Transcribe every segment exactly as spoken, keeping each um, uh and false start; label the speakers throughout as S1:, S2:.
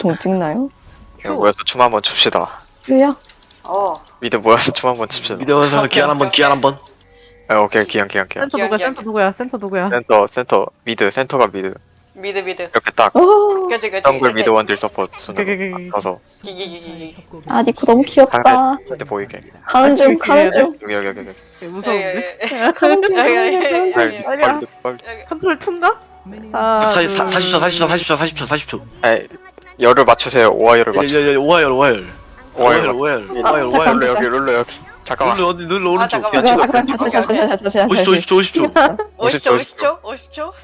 S1: 보통 찍나요?
S2: 그냥 모여서 춤 한번 춥시다.
S1: 큐요?
S3: 어.
S2: 미드 모여서 춤 한번 춥시다.
S4: 미드 와서 기한 한번 기한 한번.
S2: 아, 오케이 기영 기영 기영.
S5: 센터
S3: 기억,
S5: 누구야?
S3: 기억,
S5: 센터
S3: 기억.
S5: 누구야? 센터 누구야?
S2: 센터 센터 미드 센터가 미드
S3: 미드 미드.
S2: 이렇게 딱
S1: 오,
S3: 그치 그치.
S2: 정글 미드 원딜 서포트 순으로
S5: 오케이.
S2: 가서
S3: 기기기기기.
S1: 아 니코 너무 귀엽다.
S2: 상대 보이게.
S1: 가는 중 가는 중.
S2: 여기 여기 여기 여기.
S5: 되게 무서운데?
S1: 가는 중 가는 중 가는 중.
S2: 빨리
S5: 아니야.
S2: 빨리 빨리.
S5: 컨트롤 툰가? 아,
S4: 사- 사- 사십 초 사십 초 사십 초 사십 초 사십 초.
S2: 에 열을 맞추세요. 오하열을 맞추.
S4: 예, 예, 예, 오하열 오하열. 오하열
S2: 오하열.
S4: 오하열 오하열
S2: 룰러
S4: 오하열.
S2: 여기 룰러 여기. 잠깐만.
S4: 눌러 어디 눌러 오른쪽.
S3: 잠깐만.
S4: 야,
S1: 잠깐만
S4: 찍어.
S1: 잠깐만 잠깐만 잠깐만 잠깐만
S4: 오십 초 오십 초 오십 초.
S3: 오십 초 오십 초 오십 초.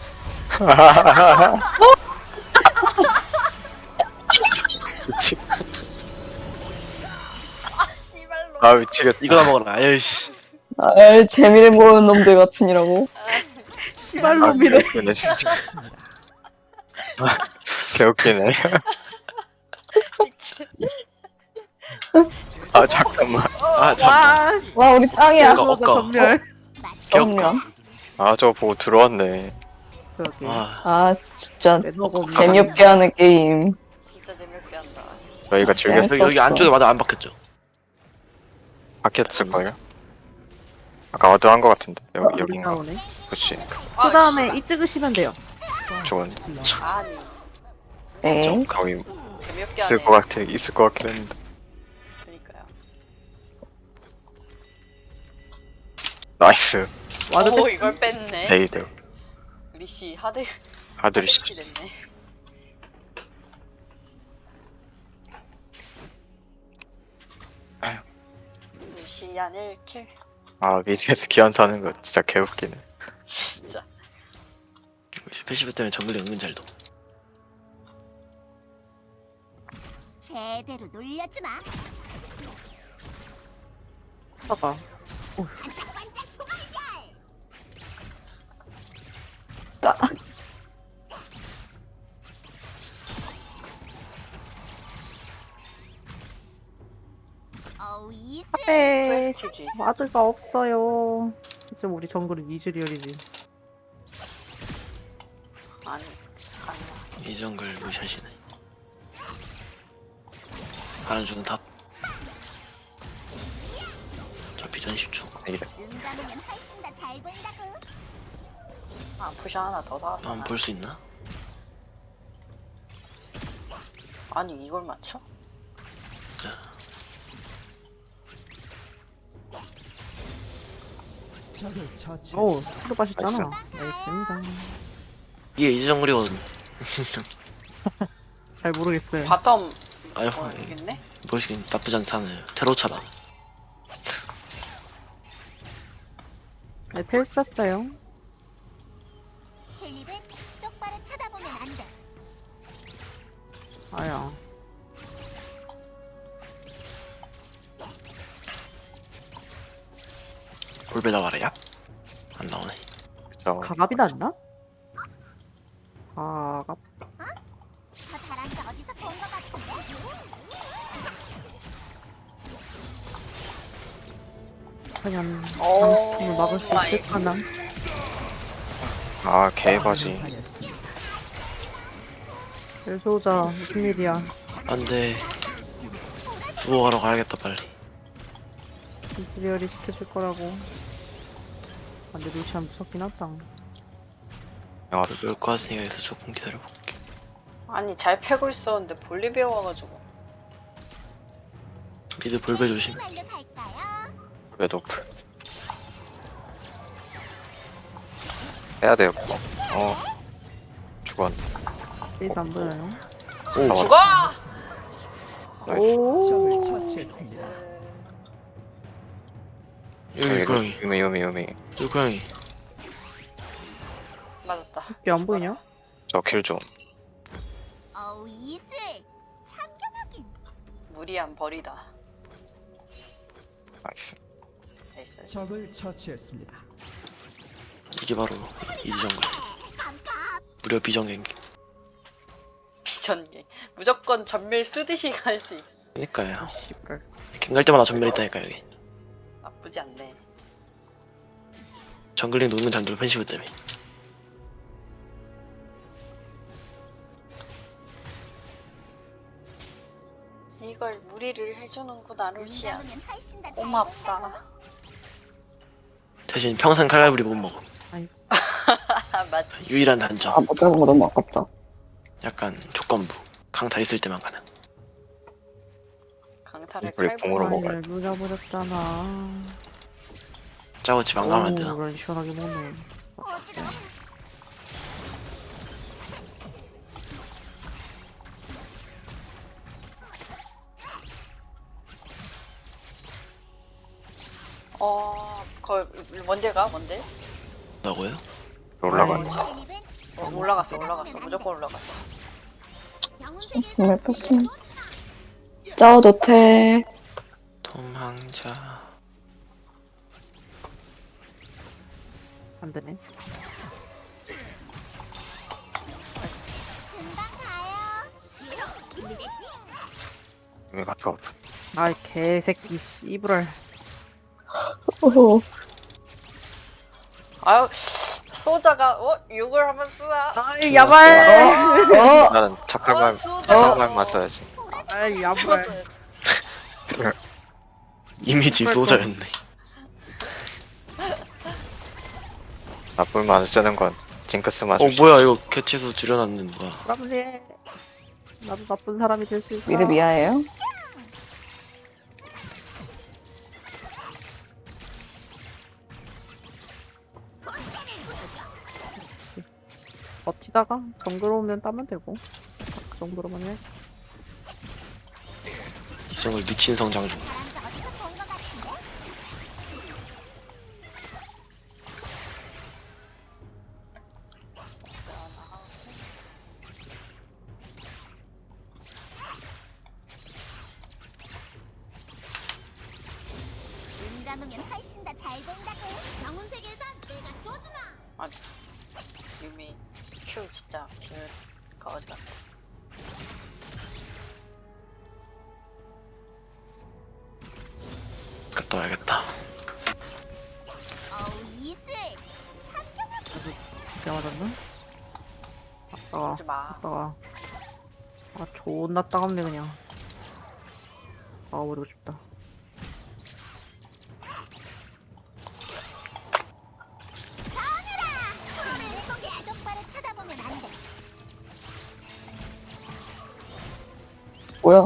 S2: 미치.
S3: 아 씨발로.
S2: 아 미치겠다.
S4: 이거나 먹어라. 아이씨.
S1: 아, 재미를 보는 놈들 같으니라고.
S5: 시발놈이네.
S2: 개웃기네 진짜. 아, 개웃기네.
S3: 미친.
S2: 아 잠깐만.
S4: 아 잠깐.
S5: 와,
S1: 와 우리 짱이야.
S4: 어,
S5: 그거다 전멸.
S1: 정면.
S2: 아 저거 보고 들어왔네.
S5: 그러게.
S4: 아
S1: 아 진짜
S5: 매너가 없네.
S1: 재미없게 하는 게임.
S3: 진짜 재미없게 한다.
S2: 저희가 즐겼
S1: 재밌었어.
S4: 여기 여기 안쪽에 마다 안 박혔죠.
S2: 박혔을 걸요? 아까 어두한 거 같은데 여기
S5: 우리
S2: 여긴가?
S5: 나오네.
S2: 그치.
S3: 아,
S5: 그 다음에 이 찍으시면 돼요.
S2: 좋은.
S3: 씨. 아니
S1: 네.
S2: 좀 거기
S3: 재미없게
S2: 있을
S3: 하네.
S2: 것 같아. 있을 것 같긴 했는데.
S3: 그니까요.
S2: 나이스.
S5: 와드
S3: 오
S5: 뺐-
S3: 이걸 뺐네.
S2: 레이드.
S3: 리시 하드
S2: 아들이 씨.
S3: 하드리시 됐네.
S2: 아유.
S3: 루시안 일 킬.
S2: 아 미드에서 기한타는 거 진짜 개웃기네.
S3: 진짜.
S4: 패시브 때문에 정글이 은근 잘 도.
S6: 제대로 놀려주마.
S5: 봐봐.
S6: 반짝반짝 소갈별.
S1: 따.
S6: 어우 이슬.
S5: 네.
S3: 프레스티지.
S5: 와드가 없어요. 지금 우리 정글은 이즈리얼이지.
S3: 아니 아니야.
S4: 이 정글 무샷이네. 가는 중은 탑. 저 비전 십 초.
S2: 이래.
S6: 눈 감으면 훨씬 더 잘 보인다고.
S3: 아 푸샤 하나 더 사왔어.
S4: 한번
S3: 나.
S4: 볼 수 있나?
S3: 아니 이걸 맞춰?
S5: 오, 스로 빠셨잖아. 알겠습니다.
S4: 이게 이 정글이거든.
S5: 잘 모르겠어요.
S3: 바텀
S4: 아유
S3: 어 여기 있네?
S4: 보시긴 나쁘지 않다네요. 테로차다.
S5: 네, 텔 썼어요.
S6: 텔립은 똑바로 쳐다보면 안 돼.
S5: 아야.
S4: 볼베다 말이야? 안 나오네.
S2: 그쵸.
S5: 가갑이 났나? 가갑.
S6: 저 잘한 거 어디서 본 거 같은데?
S5: 그냥
S3: 오
S5: 방금을 막을 수
S3: 마이
S5: 있을까나?
S2: 아 개바지.
S5: 벨소자 무슨 일이야?
S4: 안돼. 주워가러 가야겠다 빨리.
S5: 이즈리얼이 지켜줄 거라고. 아, 근데 루시안 무섭긴 하다.
S2: 나왔어.
S4: 그럴 것 같으니까 여기서 조금 기다려볼게.
S3: 아니 잘 패고 있었는데 볼리비아 와가지고
S4: 미드 볼베 조심.
S6: 말로 갈까요?
S2: 왜 노플? 해야 돼요. 어. 죽었.
S5: 페이지 안 보여요?
S4: 오.
S3: 죽어!
S2: 나이스.
S5: 오.
S4: 여기 고양이.
S2: 유미 유미 유미.
S4: 여기 고양이.
S3: 맞았다.
S5: 이게 안 보이냐?
S2: 저 킬 좀.
S6: 어우 이슬. 참견하긴.
S3: 무리한 벌이다.
S2: 나이스.
S3: 나이스.
S7: 적을 처치했습니다.
S4: 이게 바로 이지 정글.
S6: 깜깜.
S4: 무려 비정갱기.
S3: 비전기. 무조건 전멸 쓰듯이 갈 수 있어.
S4: 그니까요.
S5: 씨발.
S4: 갱갈 때마다 전멸 있다니까 여기.
S3: 나쁘지 않네.
S4: 정글링 놓는 잔들 펜시브 때문에.
S3: 이걸 무리를 해주는구나 루시안.
S6: 눈 감으면 훨씬 더 잘
S3: 고맙다.
S6: 보인다고.
S4: 대신 평생 칼날부리 못 먹어.
S3: 아 맞지.
S4: 유일한 단점.
S1: 아, 못 잡은 거 너무 아깝다.
S4: 약간 조건부. 강타 있을 때만 가능.
S3: 강타를
S2: 우리
S3: 칼부로
S2: 공으로
S3: 먹어.
S2: 먹어야
S5: 아니, 누잡아졌잖아.
S4: 짜고치 망가면 안 되나?
S5: 그런 시원하게 먹네.
S6: 어지러워.
S3: 어, 거 뭔데 가? 뭔데?
S4: 뭐라고요?
S2: 올라가네.
S6: 필립은
S3: 어, 올라갔어, 올라갔어, 무조건 올라갔어.
S6: 영혼 세계에서
S1: 왜 뺐으면. 짜오 노태.
S4: 도망자.
S5: 안 되네.
S6: 금방 가요. 준비됐지?
S2: 왜 같이 없어?
S5: 아이, 개새끼, 씨부랄.
S1: 오호.
S3: 아유, 소자가 어 욕을 한번 쓰나?
S5: 아이, 야발!
S1: 어?
S2: 나는 착할 말,
S3: 어, 수저.
S2: 착할 말만 써야지.
S5: 아이, 야발.
S4: 이미지 소자였네.
S2: 나쁜 말을 쓰는 건 징크스만
S4: 어 뭐야 이거 개체수 줄여놨는 거야.
S5: 사람들. 나도 나쁜 사람이 될 수 있어.
S1: 미드 미아예요?
S5: 버티다가 정글 오면 따면 되고. 그 정도로만 해.
S4: 이성을 미친 성장 중.
S6: 잘한 적 어디서 본 것 같은데? 눈 감으면 훨씬 더 잘 본다고. 영혼 세계에선 내가 줘주나.
S3: 유미 큐 진짜 길 거지 같아.
S4: 갔다 와야겠다.
S6: 어우 이슬.
S5: 진짜 맞았나? 아따가.
S3: 하지 마.
S5: 아따가. 아, 존나 따갑네, 그냥. 아버리고 싶다.
S6: 속에 똑바로 쳐다보면 안 돼.
S1: 뭐야?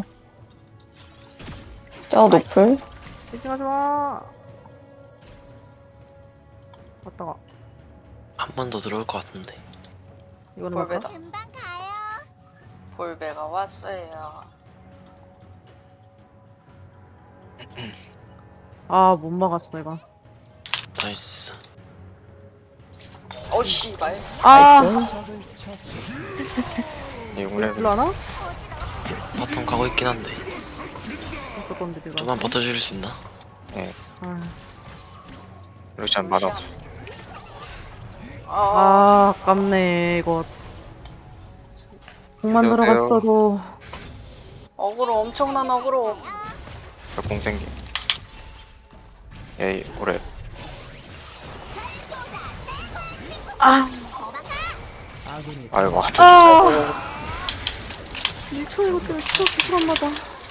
S1: 짜오 노플?
S5: 미팅하지 마! 아따가.
S4: 한 번 더 들어올 것 같은데.
S5: 이거는
S3: 볼베다.
S5: 맞다?
S6: 금방 가요.
S3: 볼베가 왔어요.
S5: 아, 못 막았어, 이거.
S4: 나이스.
S3: 어이 씨발.
S5: 아!
S2: 육 레벨.
S5: 일로 하나?
S4: 바텀 가고 있긴 한데.
S5: 어쩔 건데, 이거.
S4: 좀만 버텨줄 수 있나?
S5: 아,
S2: 루시안 만 없어.
S3: 아,
S5: 아, 아깝네, 이거. 공만
S2: 여보세요?
S5: 들어갔어도.
S3: 어그로 엄청난 어그로.
S2: 공 생김. 에이, 오래.
S5: 아!
S2: 아유, 와,
S5: 아! 일 초 이거 때문에 추적 기술 맞아.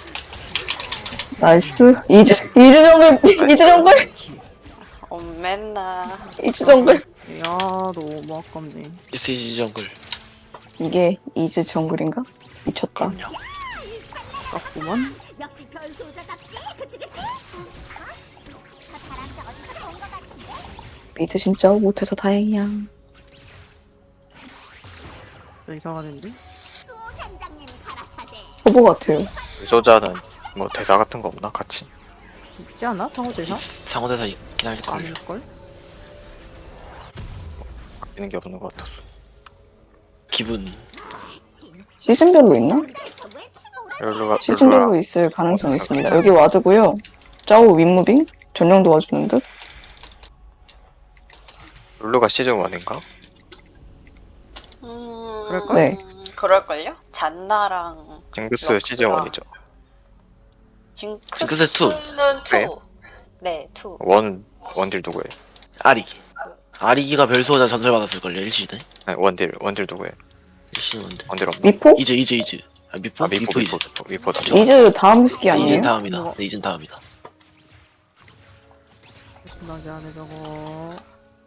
S1: 나이스. 이즈, 이즈 정글, 이즈 정글,
S3: 어 맨날.
S1: 이즈 정글.
S5: 야, 너무 아깝네.
S4: 에스이지 정글.
S1: 이게 이즈 정글인가? 미쳤다.
S4: 그럼요.
S5: 아깝구만.
S6: 역시 별 소자답지. 그치 그치? 어? 더 잘한 적 어디서 본 것 같은데?
S1: 미드 진짜 못해서 다행이야.
S5: 저 이상하는데?
S6: 수 단장님 가라사대.
S1: 호보 같아요.
S2: 유소자는 뭐 대사 같은 거 없나? 같이?
S5: 있지 않아? 상호대사?
S4: 상호대사 있긴 할걸요.
S5: 아닐걸?
S2: 바뀌는 게 없는 것 같았어.
S4: 기분.
S1: 시즌별로 있나?
S6: 저 외치고 오라.
S2: 룰루가, 룰루가,
S1: 시즌별로 있을 가능성이 있습니다. 여기 와드고요. 짜오 윗무빙? 전령 도와주는 듯?
S2: 룰루가 시즌 일인가?
S3: 음,
S5: 그럴걸?
S1: 네.
S3: 그럴걸요? 잔나랑
S2: 징크스
S3: 럭스랑.
S2: 시즌 일이죠.
S3: 징크스는
S4: 징크스 투.
S2: 네.
S3: 투. 네, 투.
S2: 원, 원딜 누구예요?
S4: 아리기. 아리기가 별소자 전설 받았을걸요 일시대.
S2: 아니, 원딜, 원딜 누구예요?
S4: 일시는 뭔데?
S2: 원딜 없나?
S1: 미포?
S4: 이제 이제 이제. 아 미포?
S2: 아 미포
S4: 미포
S2: 미포
S4: 이즈.
S2: 미포 미포다.
S1: 이즈 다음 시기
S4: 이젠
S1: 아니에요?
S4: 다음이다.
S5: 이거.
S4: 네, 이젠 다음이다.
S5: 신나게 하네 저거.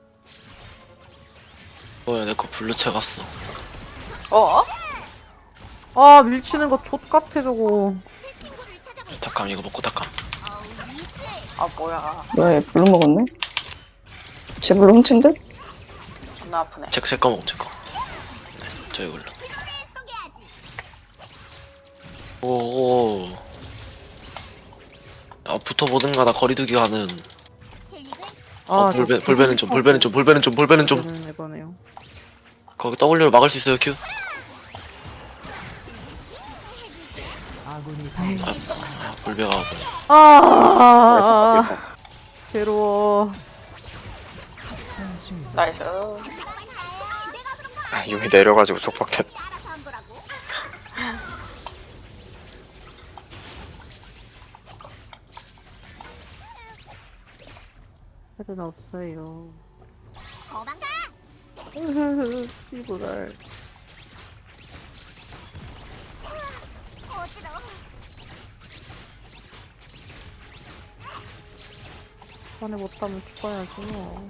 S4: 뭐야 내 거 블루 채 갔어.
S3: 어?
S5: 아 밀치는 거 족같아 저거.
S6: 친구를 찾아볼까?
S4: tak함 이거 먹고 tak함.
S6: 어우 미스.
S3: 아 뭐야.
S1: 왜 블루 먹었네? 제 블루 훔친 듯?
S3: 존나 아프네.
S4: 제, 제거 먹어 제거. 네, 저희 블루.
S6: 프로를 소개하지.
S4: 오오. 아 붙어보든가 나 거리두기 하는.
S6: 힐릭은
S4: 어,
S5: 저
S4: 볼베, 볼베는 좀 볼베는 좀 볼베는 좀 볼베는 좀.
S5: 볼베는 이거네요.
S4: 거기 W로 막을 수 있어요 큐? 아, 볼베가
S5: 아 괴로워.
S3: 나이스.
S2: 아 여기 내려가지고 속박됐.
S6: 알아서 한 거라고.
S5: 헤드는 없어요.
S6: 거방가.
S5: 씨부랄.
S6: 어지러워.
S5: 안에 못하면 죽어야지 뭐.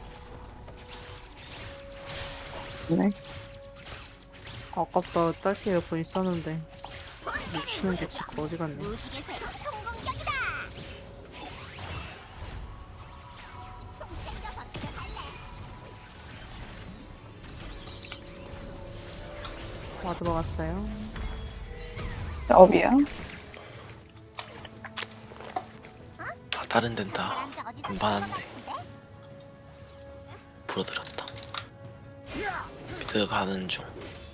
S1: 네.
S5: 아깝다. 딸기 에어컨 있었는데. 미치는 게 진짜 어디 갔네.
S6: 무기계세 총공격이다. 총 챙겨 박수할래.
S5: 와드 먹었어요.
S1: 업이야.
S4: 다 다른 데는 다
S6: 사람들 어디서
S4: 안 받았는데
S6: 같은데?
S4: 불어들었다. 미드 가는 중.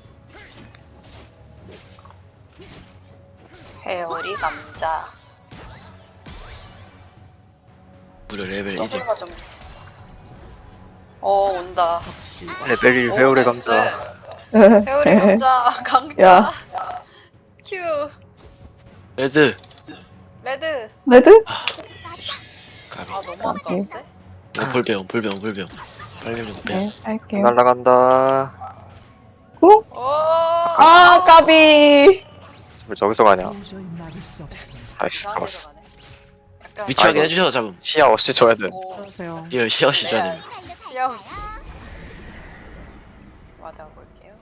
S3: 회오리 감자.
S4: 무려 레벨 일.
S3: 더블가 좀. 어 온다.
S2: 레벨 일
S3: 오,
S2: 회오리
S3: 나이스.
S2: 감자.
S3: 회오리 감자 강자.
S1: 야.
S3: 큐.
S4: 레드.
S3: 레드.
S1: 레드?
S4: 아. 가비.
S3: 아 너무 아까운데?
S4: 이거 볼배용 볼배용 볼배용. 빨리 이거 빼.
S1: 네, 할게요.
S2: 날라간다.
S1: 어?
S3: 오.
S1: 아, 까비!
S2: 왜 저기서 가냐? 나이스
S3: 이상하게
S2: 잡았어.
S3: 들어가네. 약간
S4: 위치 확인
S2: 아이고.
S4: 해주셔서 잡음.
S2: 시야 없이 줘야 돼.
S3: 오.
S5: 안녕하세요.
S4: 이럴 시어시 줘야
S3: 네.
S4: 됩니다.
S3: 시야우시. 와다 볼게요.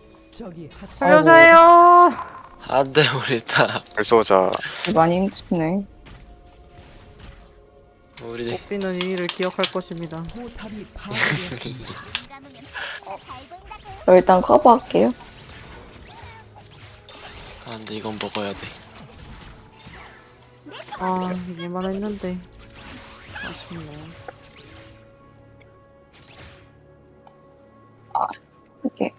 S5: 살려줘요.
S4: 안돼 우리 다
S2: 불쏘자.
S1: 많이 힘드네.
S4: 우리
S5: 뽀삐는 이 일을 기억할 것입니다.
S6: 눈 감으면 잘 보인다고.
S1: 저 일단 커버할게요.
S4: 안돼 이건 먹어야 돼.
S5: 아, 이길만 했는데. 아쉽네.
S1: 이렇게.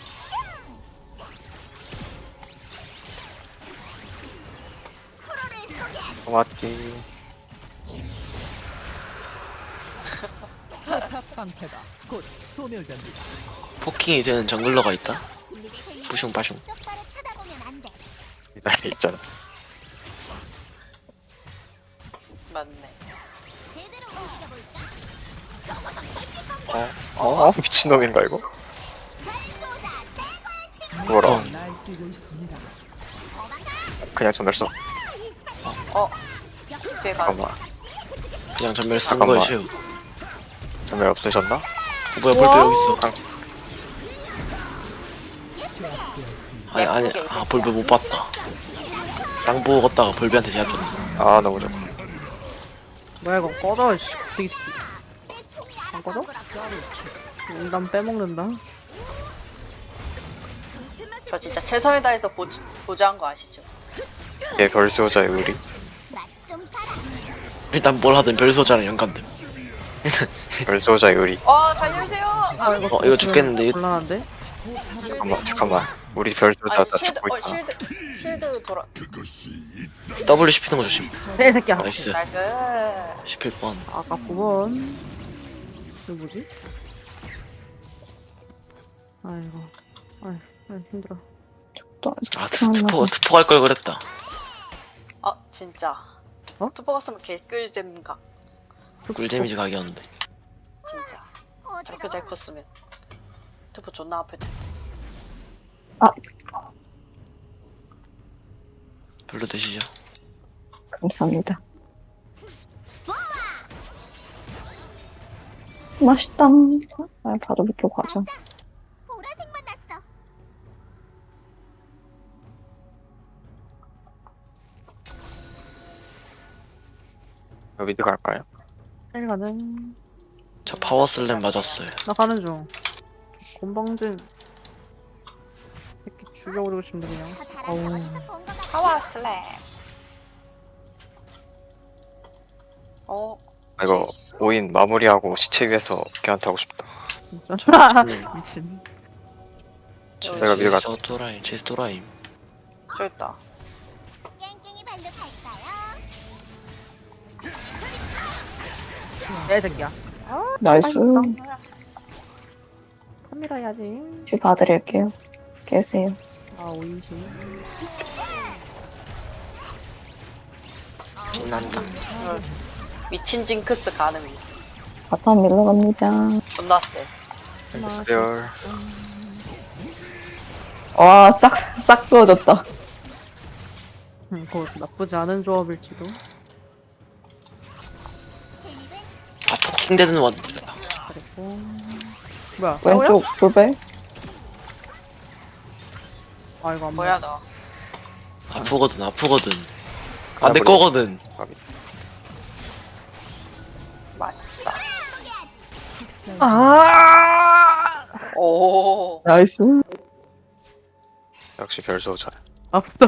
S6: 프로를 소개하지.
S2: 고맙기.
S4: 포킹이 되는 정글러가 있다.
S6: 준비될 테니
S4: 부슝 바슝.
S6: 똑바로 쳐다보면 안 돼.
S2: 기다려 있잖아.
S3: 맞네.
S6: 제대로 움직여볼까?
S2: 어? 어? 미친놈인가 이거?
S6: 별소자 최고의 친구.
S2: 뭐라?
S4: 어.
S2: 그냥 전멸 써.
S3: 어. 뒤에 가.
S2: 잠깐만.
S4: 그냥 전멸 쓴
S2: 잠깐만.
S4: 거에 채우.
S2: 전멸 없으셨나?
S4: 어, 뭐야 볼배 여기 있어. 아니 아니
S3: 예쁘게
S4: 아
S3: 있었다.
S4: 볼배 못 봤다. 땅 보고 걷다가 볼배한테 제압했어.
S2: 아 너무 좋아.
S5: 뭐야 이거 꺼져 씨. 되게 새끼. 안 꺼져?
S6: 거라고.
S5: 인간 빼먹는다.
S3: 저 진짜 최선을 다해서 보, 보조한 거 아시죠?
S2: 얘 별쏘자의 의리.
S6: 맛좀 봐라.
S4: 일단 뭘 하든 별소자랑 연관됨.
S2: 별쏘자의 의리.
S3: 어 살려주세요. 아,
S5: 이거
S4: 어, 이거 죽겠는데, 이거-
S5: 곤란한데?
S2: 잠깐만 잠깐만. 우리 별쏘자
S3: 아니
S2: 다
S3: 쉴드
S2: 죽고
S3: 어
S2: 있다.
S3: 쉴드 쉴드 돌아.
S4: W 씹히는 거 조심.
S5: 개새끼야.
S4: 나이스.
S3: 나이스.
S4: 씹힐 뻔.
S5: 아깝구먼. 이거 뭐지? 아이고. 아이, 아이 힘들어.
S1: 또,
S4: 아 트- 트포 트포 갈 걸 그랬다.
S3: 아 진짜.
S5: 어?
S3: 투포 갔으면 개꿀잼각.
S4: 꿀 데미지 각이었는데.
S3: 진짜. 저렇게
S6: 어지러워.
S3: 잘 컸으면. 투포 존나 아플 텐데.
S1: 아.
S4: 별로 드시죠.
S1: 감사합니다. 맛있다. 아, 바로 밑으로 가자.
S6: 보라색만 났어.
S2: 여기 미드 갈까요?
S5: 빨리 가는.
S4: 저 파워 슬램 맞았어요.
S5: 나 가는 중. 곤방진. 새끼 죽여버리고 싶네 그냥.
S6: 더 잘한
S5: 어우.
S6: 거 어디서 본거 같아.
S3: 파워 슬램. 어.
S2: 아, 이거 오인 마무리하고 시체 위에서 걔한테 하고 싶다.
S5: 진짜. 미친.
S2: 내가 미드 갔다.
S4: 저 또라임, 제스 또라임.
S3: 저 있다.
S6: 깽깽이 발로 갈까요?
S5: 야, 이 새끼야.
S1: 나이스.
S5: 카메라 해야지.
S1: 피 봐드릴게요. 계세요.
S5: 아, 오이시.
S4: 신난다.
S3: 미친 징크스 가능.
S1: 바텀 밀러 갑니다.
S3: 존나 쎄.
S2: 스페어.
S1: 와, 싹, 싹 부어졌다.
S5: 음, 그거 나쁘지 않은 조합일지도.
S6: 힐링은
S4: 아, 포킹 되는 원들.
S5: 그리고. 뭐야, 싸우야?
S1: 왼쪽 돌배.
S5: 아, 이거 안
S3: 뭐야 너.
S4: 아프거든, 아프거든. 안 내 거거든.
S3: 맛있다.
S1: 아,
S3: 오.
S1: 나이스.
S2: 역시 별소자.
S5: 아프다.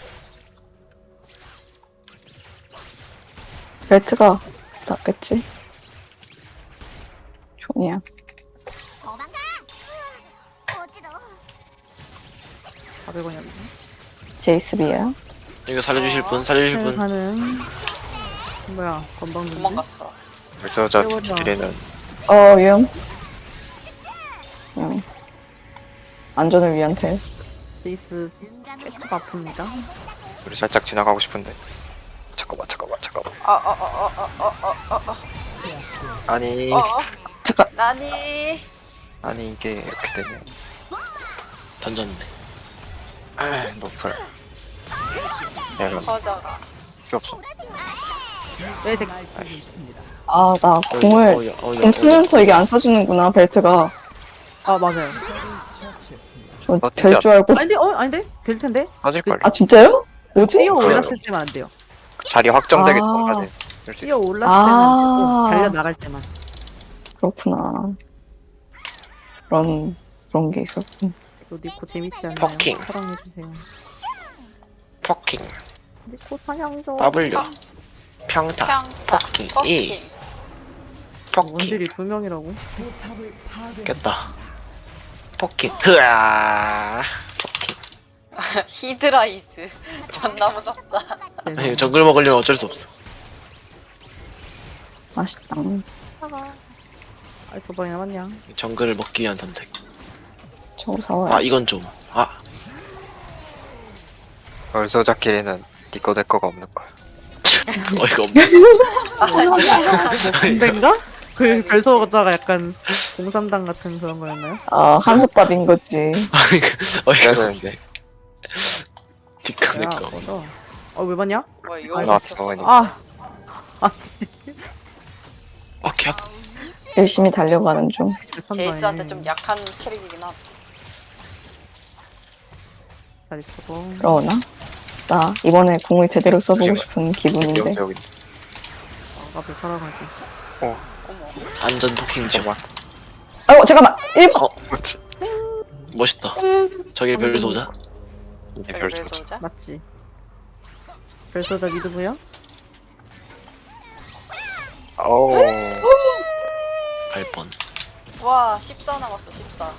S1: 벨트가 낫겠지. 종이야.
S6: 도망가. 으아, 어지러워.
S5: 사백 원이야.
S1: 제이스비야.
S4: 이거 살려주실 분, 살려주실 분.
S5: 가는. 뭐야, 건방진지?
S3: 도망갔어.
S2: 별소자
S5: 깨워줘.
S2: 딜에는
S1: 어, 위험. 응. 안전을 위한 텔.
S5: 제이스
S6: 눈 감으면
S5: 꽤 아픕니다.
S2: 우리 살짝 지나가고 싶은데. 잠깐만, 잠깐만, 잠깐만.
S3: 어어어어어어어.
S2: 아니,
S3: 어. 어.
S1: 잠깐.
S3: 나니.
S2: 아니 이게 이렇게 되네.
S4: 던졌네.
S2: 아, 노플. 야, 이건
S3: 커져가.
S2: 필요 없어.
S5: 왜 새끼.
S1: 아, 나
S4: 어,
S1: 공을,
S4: 어, 야, 어, 야,
S1: 공
S4: 어,
S1: 쓰면서 이게 안 써주는구나, 벨트가.
S5: 아, 맞아요.
S1: 저
S2: 어,
S1: 될
S2: 진짜.
S1: 줄 알고.
S5: 아닌데? 어, 아닌데? 될 텐데?
S2: 빠질걸.
S1: 아, 진짜요? 뭐지?
S5: 뛰어
S2: 그래요.
S5: 올랐을 때만 안 돼요.
S2: 자리 확정되게
S1: 아.
S2: 전까지 할수
S5: 뛰어
S2: 있어.
S5: 올랐을
S1: 아.
S5: 때만 안 되고, 달려 나갈 때만.
S1: 그렇구나. 그런, 그런 게 있었군.
S5: 또 니코 재밌지 않나요?
S4: 퍼킹.
S5: 사랑해주세요.
S4: 포킹.
S5: 니코 사냥 좀.
S4: W. 평타.
S3: 평타.
S4: 퍼킹.
S3: 퍼킹.
S4: 이. 포킹.
S5: 원딜이 두 명이라고?
S4: 깼다. 포킹. 흐아. 포킹.
S3: 히드라이즈. 존나 무섭다.
S4: 아니, 정글 먹으려면 어쩔 수 없어.
S1: 맛있다.
S5: 아, 두 번이 남았냐?
S4: 정글을 먹기 위한 선택.
S1: 저거 사와요.
S4: 아, 이건 좀. 아,
S2: 별소자끼리는 니꺼 내 거가 없는 거야.
S4: 어이가 없네.
S5: 군대인가? 그
S3: 미친.
S5: 별소자가 약간 공산당 같은 그런 거였나요?
S1: 아, 한솥밥인 거지.
S4: 아니, 그, 어이가
S2: 그래야
S4: 없네. 뒷간의
S5: 야,
S4: 거.
S5: 맞아. 어, 왜 봤냐?
S3: 뭐
S2: 나
S3: 이거
S2: 병원이.
S5: 아! 아,
S4: 어, 개 아파.
S1: 열심히 달려가는 중.
S3: 제이스한테 좀 약한 캐릭이긴 하다.
S5: 잘 쓰고.
S1: 그러나? 나 이번에 공을 제대로 써보고 싶은 기분인데.
S2: 여기 여기.
S5: 아깝게 살아가지.
S3: 어머.
S4: 안전 포킹 좀.
S2: 잠깐만.
S1: 아이고, 잠깐만! 일 번!
S4: 어,
S2: 그렇지.
S4: 멋있다. 저게 별소자?
S2: 이게
S3: 여기
S2: 별소자.
S3: 별소자?
S5: 맞지? 별소자 믿으고요?
S2: 오.
S4: 갈 뻔.
S3: 와, 십사 남았어, 십사.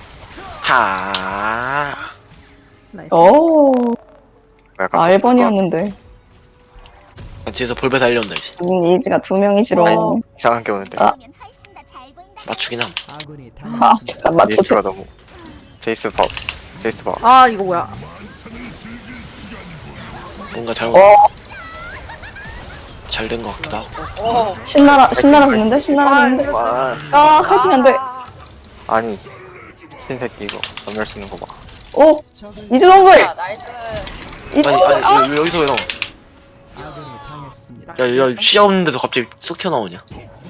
S4: 하.
S5: 나이스.
S1: 오,
S2: 약간
S1: 아, 일 번이었는데.
S4: 뒤에서 볼배 달려온다, 이제.
S1: 우린 이지가 두 명이지롱.
S3: 어.
S2: 이상한 게 오는데.
S1: 아.
S6: 보면 훨씬 더 잘 보인다.
S4: 맞추긴 함.
S1: 아, 잠깐, 맞춰.
S2: 제이스가 너무. 제이스 봐. 제이스 봐.
S5: 아, 이거 뭐야?
S4: 뭔가 잘못,
S1: 어,
S4: 잘 된 것 같기도 하고.
S3: 오.
S1: 신나라, 신나라 붙는데? 신나라 붙는데?
S2: 와.
S1: 아, 하긴 안 돼.
S2: 아니. 신새끼 이거. 전멸 쓰는 거 봐.
S1: 오, 이즈 동글!
S3: 자, 나이스.
S1: 이
S4: 아니 아니
S1: 아,
S4: 왜 여기서 왜 나와? 야야 시야 없는데도 갑자기 쑥 튀어나오냐?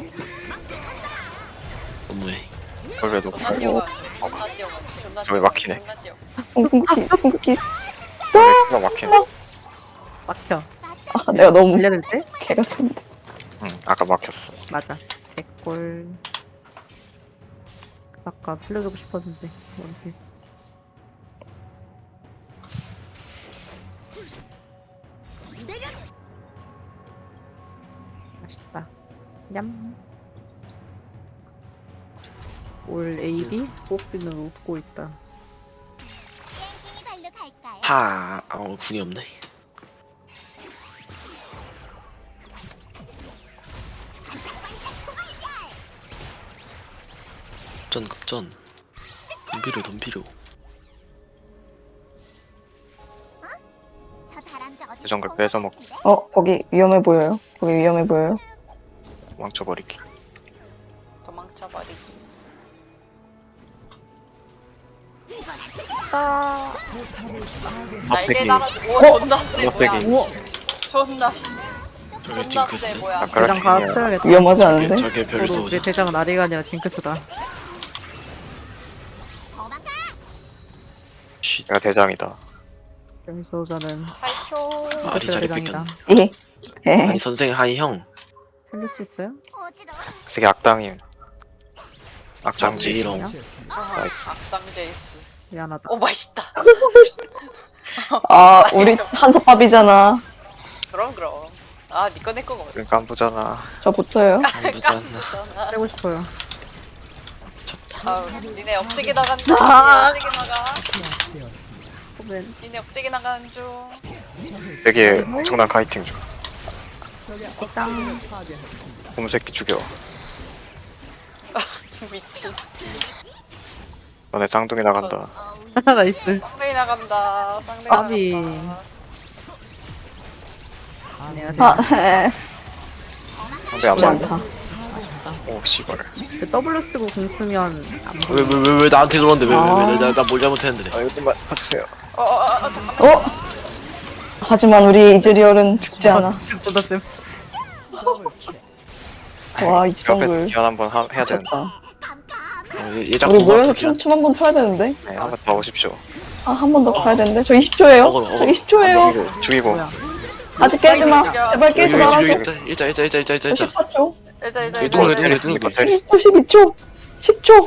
S4: 너무해.
S2: 그래도
S3: 존나 뛰어가. 존나 뛰어가. 존나
S2: 저기 막히네.
S3: 존나 뛰어.
S1: 궁극기 궁극기.
S2: 가 막히네.
S5: 막혀.
S1: 아 내가 너무
S5: 올려야 될 때?
S1: 개가 쳤는데.
S2: 응, 아까 막혔어.
S5: 맞아. 개꿀. 아까 살려주고 싶었는데. 이렇게. 맛있다. 냠. 올 에이비 뽑기는 웃고 있다.
S6: 땡땡이 발로 갈까요?
S4: 하. 아 오늘 궁이 없네. 급전 급전. 덤비려 덤비려.
S6: 저 다람쥐 어디
S2: 그 정글 뺏어 먹-
S1: 어 거기 위험해 보여요. 거기 위험해 보여요.
S2: 망쳐버리기.
S3: 도망쳐버리기. 날개
S2: 막대기.
S3: 달아. 오 존나 세 뭐야.
S2: 막대기.
S5: 우와.
S3: 존나 세.
S4: 저게
S3: 존나 세
S4: 징크스.
S3: 뭐야.
S2: 아까
S5: 대장
S2: 라틴이야.
S5: 갈아쳐야겠다.
S1: 위험하지 않은데?
S4: 저게 별소
S5: 저도 내
S4: 오자.
S5: 대장은 아리가 아니라 징크스다.
S6: 도망가.
S4: 쉿.
S2: 내가 대장이다.
S5: 별소자는
S3: 팔 초.
S4: 아리 자리
S5: 대장이다.
S4: 뺏겼네.
S1: 예. 예.
S4: 아니 선생 아니 형.
S5: 살릴 수 있어요?
S6: 어지러워.
S2: 되게 악당임.
S4: 장지
S2: 악당지.
S4: 이런.
S3: 아하, 악당 제이스.
S5: 미안하다.
S3: 오 맛있다.
S1: 아 우리 한솥밥이잖아.
S3: 그럼 그럼. 아 니꺼 내꺼 먹었어.
S2: 그러니까 안 보잖아.
S1: 저 붙어요.
S4: 무잖아.
S3: 잖아
S5: 빼고 싶어요.
S3: 아우 니네 억제기 나간다.
S5: 아.
S3: 니네 억제기 나가.
S5: 호벤.
S3: 니네 억제기 나가는 중.
S2: 되게 엄청난 카이팅 중.
S5: 짱.
S2: 곰새끼 죽여.
S3: 미친.
S2: 너네 쌍둥이 나간다.
S5: 나이스.
S3: 쌍둥이 나간다. 쌍둥이
S5: 아비.
S3: 나간다.
S5: 안녕하세요.
S1: 아 에.
S2: 상대 안
S1: 그렇지
S2: 맞네.
S1: 않다.
S2: 오 씨발.
S5: 그 W 쓰고 공 쓰면 안 보여.
S4: 왜 왜 왜 왜 나한테 그러는데
S1: 아.
S4: 왜왜나나뭘 잘못했는데?
S2: 아 이것만 봐주세요.
S3: 어어어 어, 잠깐만.
S1: 어? 하지만 우리 이즈리얼은 죽지 않아.
S5: 쏟아 쌤.
S1: 와, 이
S2: 옆에
S1: 정글.
S2: 기한 한번 하- 해야 되는데.
S1: 좋다.
S4: 어, 얘, 얘 자꾸
S1: 우리 모여서
S4: 막
S1: 춤, 춤 한 번 춰야 되는데?
S2: 네, 한번 더 오십시오.
S1: 아, 한 번 더 가야 되는데? 저 이십 초예요?
S4: 어그로,
S1: 저
S4: 어그로.
S1: 이십 초예요?
S2: 죽이고 죽이고.
S5: 뭐야?
S1: 아직 깨지 마. 제발
S4: 여기
S1: 깨지
S4: 여기
S1: 말아줘.
S4: 여기 있다. 일자 일자 일자 일자 일자
S1: 저
S4: 일자.
S1: 십사 초.
S3: 일자 일자
S4: 여기
S3: 일자.
S4: 동네,
S3: 일자.
S4: 동네,
S2: 때릴
S4: 동네.
S2: 때릴
S1: 십일 초, 십이 초. 십 초.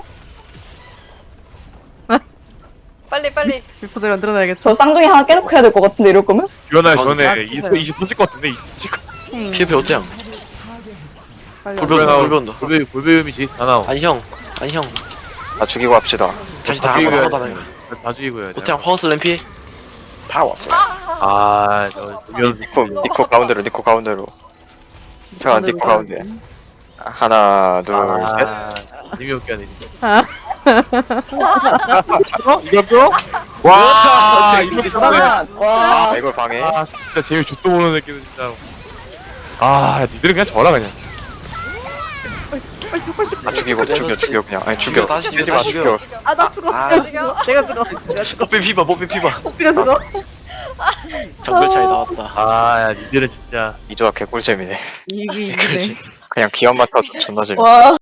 S3: 빨리 빨리.
S5: 비포즈 만들어놔야겠다.
S1: 저 쌍둥이 하나 계속 해야 될 것 같은데, 이럴 거면?
S7: 유연아
S5: 아,
S7: 전에
S5: 진짜요?
S7: 이십 터질 것 같은데 이십
S5: 음,
S4: 피해피 어때요?
S5: 빨리
S4: 골배 온다 골배 온다.
S7: 골배 골배음이 제이스 다 나와.
S4: 아니 형 아니 형
S2: 다 죽이고 합시다.
S4: 다시 다
S7: 죽이고
S4: 한번
S7: 해야
S4: 하다
S7: 돼. 다 죽이고 해야 돼.
S4: 호텔 파워스 램피 다 왔어.
S7: 아저 유연
S2: 니코 니코 가운데로 니코 가운데로. 자 니코 가운데. 하나 둘 셋.
S7: 아 재미없게 하네.
S5: 아.
S7: 어? 이겼어? 와 이겼어.
S1: 잠깐만. 와.
S2: 아 이걸 방해.
S7: 아 진짜 재미 족도 모르는 느낌 진짜로. 아 니들은 그냥 져라 그냥.
S2: 아 죽이고 죽여 죽여 그냥. 아니 죽여.
S4: 다시 죽여,
S2: 죽이지 마
S4: 다시
S2: 죽여.
S5: 아, 나 죽었어.
S4: 아,
S5: 내가 죽었어. 내가 죽었어. 내가 죽었어.
S4: 뽀삐 피봐 뽀삐 피봐.
S5: 호피가 죽어.
S4: 정글 차이 나왔다.
S7: 아야 니들은 진짜.
S2: 이 조합 개꿀잼이네.
S5: 이게 이기네.
S4: 그렇지.
S2: 그냥 기합만 타도 존나 재밌어.
S1: 와.